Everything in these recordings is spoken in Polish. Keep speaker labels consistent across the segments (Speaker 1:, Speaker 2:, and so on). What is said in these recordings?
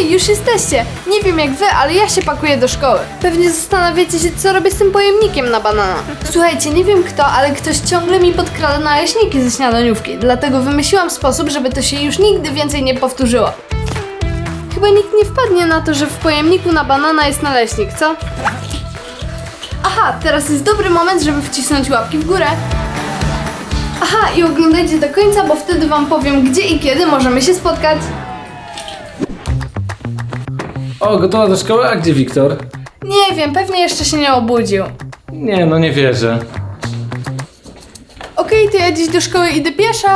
Speaker 1: Hej, już jesteście! Nie wiem jak wy, ale ja się pakuję do szkoły. Pewnie zastanawiacie się, co robię z tym pojemnikiem na banana. Słuchajcie, nie wiem kto, ale ktoś ciągle mi podkrada naleśniki ze śniadaniówki. Dlatego wymyśliłam sposób, żeby to się już nigdy więcej nie powtórzyło. Chyba nikt nie wpadnie na to, że w pojemniku na banana jest naleśnik, co? Aha, teraz jest dobry moment, żeby wcisnąć łapki w górę. Aha, i oglądajcie do końca, bo wtedy wam powiem, gdzie i kiedy możemy się spotkać.
Speaker 2: O, gotowa do szkoły? A gdzie Wiktor?
Speaker 1: Nie wiem, pewnie jeszcze się nie obudził.
Speaker 2: Nie, no nie wierzę.
Speaker 1: Okej, to ja dziś do szkoły idę pieszo.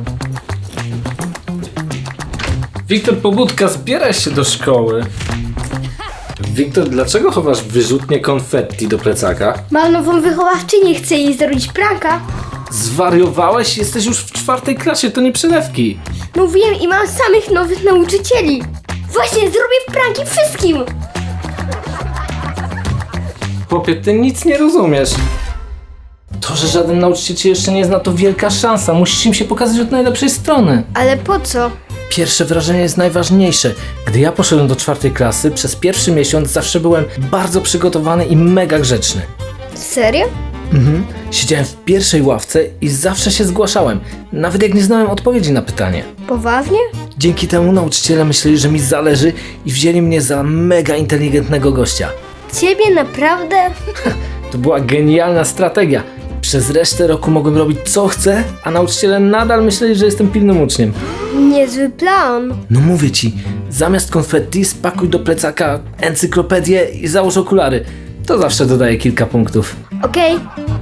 Speaker 2: Wiktor, pobudka, zbieraj się do szkoły. Wiktor, dlaczego chowasz wyrzutnie konfetti do plecaka?
Speaker 3: Mam nową wychowawczynię, chcę jej zrobić pranka.
Speaker 2: Zwariowałeś? Jesteś już w 4. klasie, to nie przelewki.
Speaker 3: No wiem i mam samych nowych nauczycieli. Właśnie, zrobię pranki wszystkim.
Speaker 2: Chłopie, ty nic nie rozumiesz. To, że żaden nauczyciel cię jeszcze nie zna, to wielka szansa. Musisz im się pokazać od najlepszej strony.
Speaker 3: Ale po co?
Speaker 2: Pierwsze wrażenie jest najważniejsze. Gdy ja poszedłem do 4. klasy, przez pierwszy miesiąc zawsze byłem bardzo przygotowany i mega grzeczny.
Speaker 3: Serio?
Speaker 2: Siedziałem w pierwszej ławce i zawsze się zgłaszałem, nawet jak nie znałem odpowiedzi na pytanie.
Speaker 3: Poważnie?
Speaker 2: Dzięki temu nauczyciele myśleli, że mi zależy i wzięli mnie za mega inteligentnego gościa.
Speaker 3: Ciebie naprawdę?
Speaker 2: To była genialna strategia. Przez resztę roku mogłem robić co chcę, a nauczyciele nadal myśleli, że jestem pilnym uczniem.
Speaker 3: Niezły plan.
Speaker 2: No mówię ci, zamiast konfetti spakuj do plecaka encyklopedię i załóż okulary. To zawsze dodaje kilka punktów.
Speaker 3: Okej.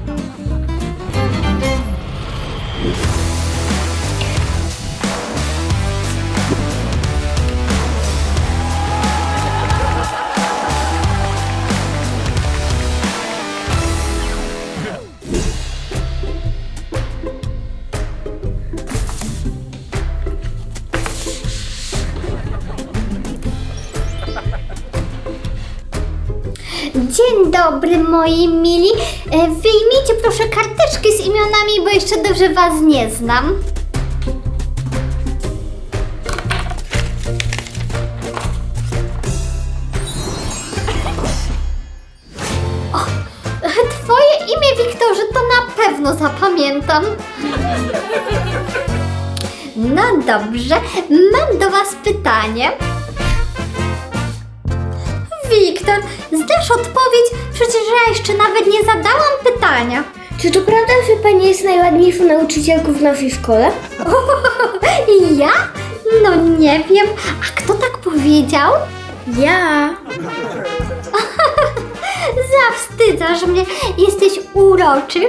Speaker 4: Dzień dobry moi mili. Wyjmijcie proszę karteczki z imionami, bo jeszcze dobrze was nie znam. O, twoje imię, Wiktorze, to na pewno zapamiętam. No dobrze, mam do was pytanie. Wiktor, znasz odpowiedź? Przecież ja jeszcze nawet nie zadałam pytania.
Speaker 3: Czy to prawda, że pani jest najładniejszą nauczycielką w naszej szkole?
Speaker 4: I ja? No nie wiem. A kto tak powiedział?
Speaker 3: Ja.
Speaker 4: Zawstydzasz mnie. Jesteś uroczy.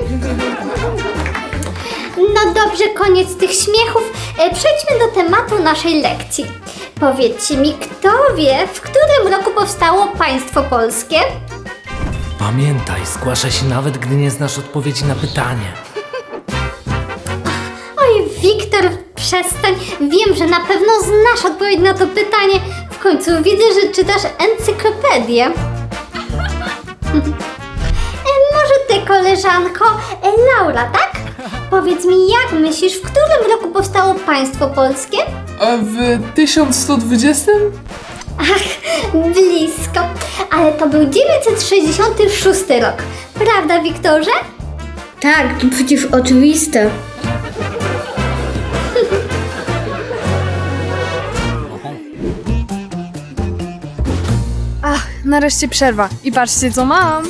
Speaker 4: No dobrze, koniec tych śmiechów. Przejdźmy do tematu naszej lekcji. Powiedzcie mi, kto wie, w którym roku powstało państwo polskie?
Speaker 2: Pamiętaj, zgłaszaj się nawet, gdy nie znasz odpowiedzi na pytanie.
Speaker 4: Oj, Wiktor, przestań. Wiem, że na pewno znasz odpowiedź na to pytanie. W końcu widzę, że czytasz encyklopedię. Może ty, koleżanko, Laura, tak? Powiedz mi, jak myślisz, w którym roku powstało państwo polskie?
Speaker 5: A w 1120?
Speaker 4: Ach, blisko. Ale to był 966 rok. Prawda, Wiktorze?
Speaker 3: Tak, to przecież oczywiste.
Speaker 1: Ach, nareszcie przerwa. I patrzcie co mam.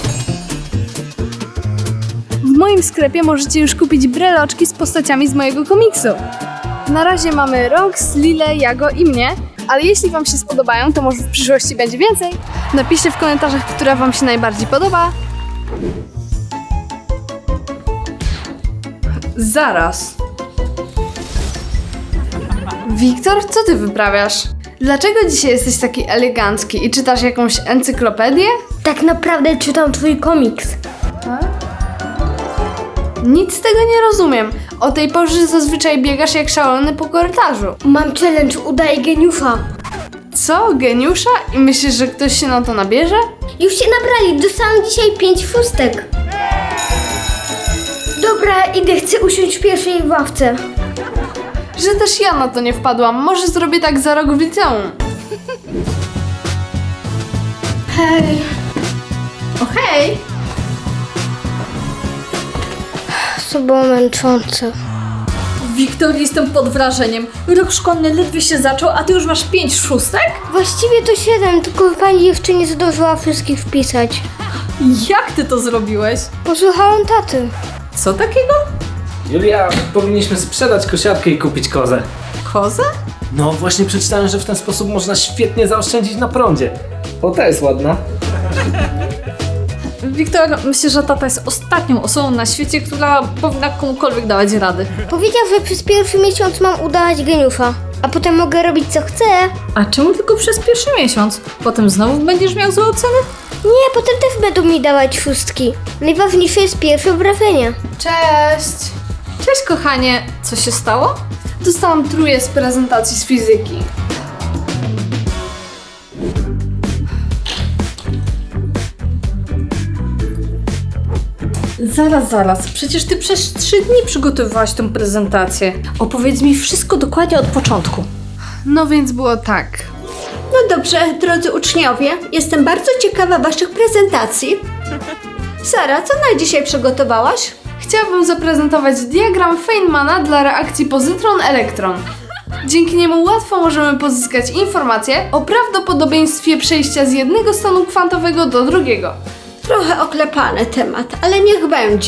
Speaker 1: W moim sklepie możecie już kupić breloczki z postaciami z mojego komiksu. Na razie mamy Rox, Lilę, Jago i mnie, ale jeśli wam się spodobają, to może w przyszłości będzie więcej. Napiszcie w komentarzach, która wam się najbardziej podoba. Zaraz. Wiktor, co ty wyprawiasz? Dlaczego dzisiaj jesteś taki elegancki i czytasz jakąś encyklopedię?
Speaker 3: Tak naprawdę czytam twój komiks.
Speaker 1: Nic z tego nie rozumiem. O tej porze zazwyczaj biegasz jak szalony po korytarzu.
Speaker 3: Mam challenge, udaję geniusza.
Speaker 1: Co? Geniusza? I myślisz, że ktoś się na to nabierze?
Speaker 3: Już się nabrali, dostałam dzisiaj 5 szóstek. Dobra, idę, chcę usiąść w pierwszej ławce.
Speaker 1: Że też ja na to nie wpadłam. Może zrobię tak za rok w liceum. Hej. O hej!
Speaker 3: To było męczące.
Speaker 1: Wiktor, jestem pod wrażeniem. Rok szkolny ledwie się zaczął, a ty już masz 5 szóstek?
Speaker 3: Właściwie to 7, tylko pani jeszcze nie zdążyła wszystkich wpisać.
Speaker 1: Jak ty to zrobiłeś?
Speaker 3: Posłuchałam taty.
Speaker 1: Co takiego?
Speaker 2: Julia, powinniśmy sprzedać kosiarkę i kupić kozę.
Speaker 1: Kozę?
Speaker 2: No właśnie przeczytałem, że w ten sposób można świetnie zaoszczędzić na prądzie. O, ta jest ładna.
Speaker 1: Wiktor, myślę, że tata jest ostatnią osobą na świecie, która powinna komukolwiek dawać rady.
Speaker 3: Powiedział, że przez pierwszy miesiąc mam udawać geniusza, a potem mogę robić co chcę.
Speaker 1: A czemu tylko przez pierwszy miesiąc? Potem znowu będziesz miał złe oceny?
Speaker 3: Nie, potem też będą mi dawać szóstki. Najważniejsze jest pierwsze wrażenie.
Speaker 1: Cześć! Cześć kochanie, co się stało? Dostałam trójkę z prezentacji z fizyki. Zaraz, przecież ty przez 3 dni przygotowywałaś tę prezentację. Opowiedz mi wszystko dokładnie od początku. No więc było tak.
Speaker 6: No dobrze, drodzy uczniowie, jestem bardzo ciekawa waszych prezentacji. Sara, co na dzisiaj przygotowałaś?
Speaker 1: Chciałabym zaprezentować diagram Feynmana dla reakcji pozytron-elektron. Dzięki niemu łatwo możemy pozyskać informacje o prawdopodobieństwie przejścia z jednego stanu kwantowego do drugiego.
Speaker 6: Trochę oklepany temat, ale niech będzie.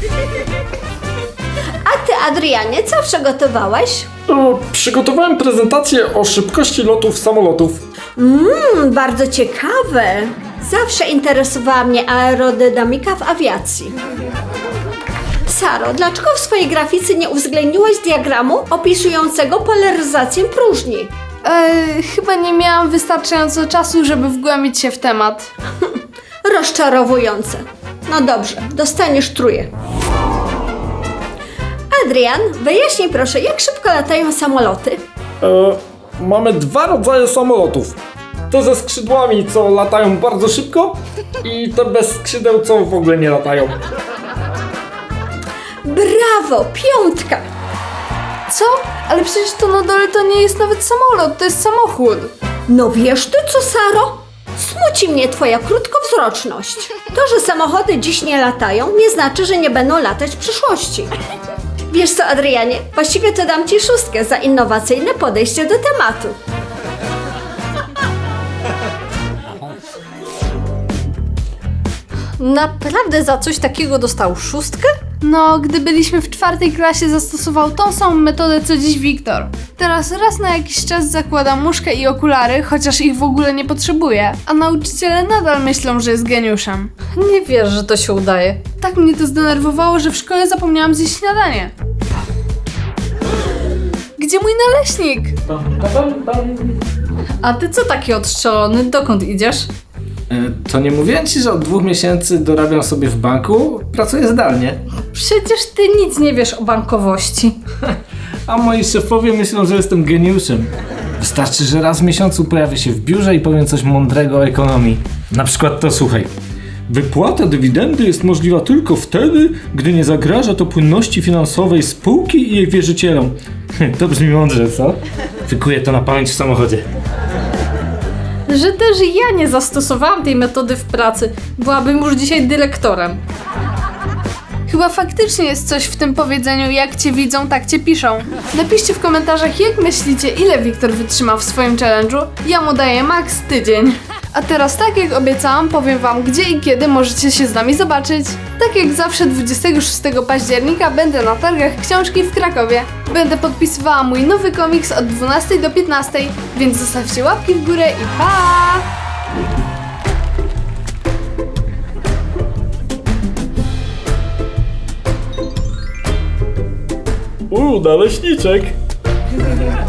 Speaker 6: A ty, Adrianie, co przygotowałeś?
Speaker 7: Przygotowałem prezentację o szybkości lotów samolotów.
Speaker 6: Bardzo ciekawe. Zawsze interesowała mnie aerodynamika w awiacji. Saro, dlaczego w swojej grafice nie uwzględniłaś diagramu opisującego polaryzację próżni?
Speaker 1: Chyba nie miałam wystarczająco czasu, żeby wgłębić się w temat.
Speaker 6: Rozczarowujące. No dobrze, dostaniesz trójkę. Adrian, wyjaśnij proszę, jak szybko latają samoloty?
Speaker 7: Mamy 2 rodzaje samolotów. Te ze skrzydłami, co latają bardzo szybko, i te bez skrzydeł, co w ogóle nie latają.
Speaker 6: Brawo, 5!
Speaker 1: Co? Ale przecież to na dole to nie jest nawet samolot, to jest samochód.
Speaker 6: No wiesz ty co, Saro? Smuci mnie twoja krótkowzroczność. To, że samochody dziś nie latają, nie znaczy, że nie będą latać w przyszłości. Wiesz co, Adrianie, właściwie to dam ci 6 za innowacyjne podejście do tematu.
Speaker 1: Naprawdę za coś takiego dostał 6? No, gdy byliśmy w 4. klasie, zastosował tą samą metodę co dziś Wiktor. Teraz raz na jakiś czas zakłada muszkę i okulary, chociaż ich w ogóle nie potrzebuje. A nauczyciele nadal myślą, że jest geniuszem. Nie wierzę, że to się udaje. Tak mnie to zdenerwowało, że w szkole zapomniałam zjeść śniadanie. Gdzie mój naleśnik? A ty co taki odstrzelony? Dokąd idziesz?
Speaker 2: To nie mówiłem ci, że od 2 miesięcy dorabiam sobie w banku? Pracuję zdalnie.
Speaker 1: Przecież ty nic nie wiesz o bankowości.
Speaker 2: A moi szefowie myślą, że jestem geniuszem. Wystarczy, że raz w miesiącu pojawię się w biurze i powiem coś mądrego o ekonomii. Na przykład to słuchaj.
Speaker 7: Wypłata dywidendy jest możliwa tylko wtedy, gdy nie zagraża to płynności finansowej spółki i jej wierzycielom.
Speaker 2: To brzmi mądrze, co? Wykuję to na pamięć w samochodzie.
Speaker 1: Że też ja nie zastosowałam tej metody w pracy. Byłabym już dzisiaj dyrektorem. Chyba faktycznie jest coś w tym powiedzeniu, jak cię widzą, tak cię piszą. Napiszcie w komentarzach, jak myślicie, ile Wiktor wytrzyma w swoim challenge'u. Ja mu daję max tydzień. A teraz, tak jak obiecałam, powiem wam, gdzie i kiedy możecie się z nami zobaczyć. Tak jak zawsze 26 października będę na targach książki w Krakowie. Będę podpisywała mój nowy komiks od 12 do 15, więc zostawcie łapki w górę i pa!
Speaker 7: Naleśniczek.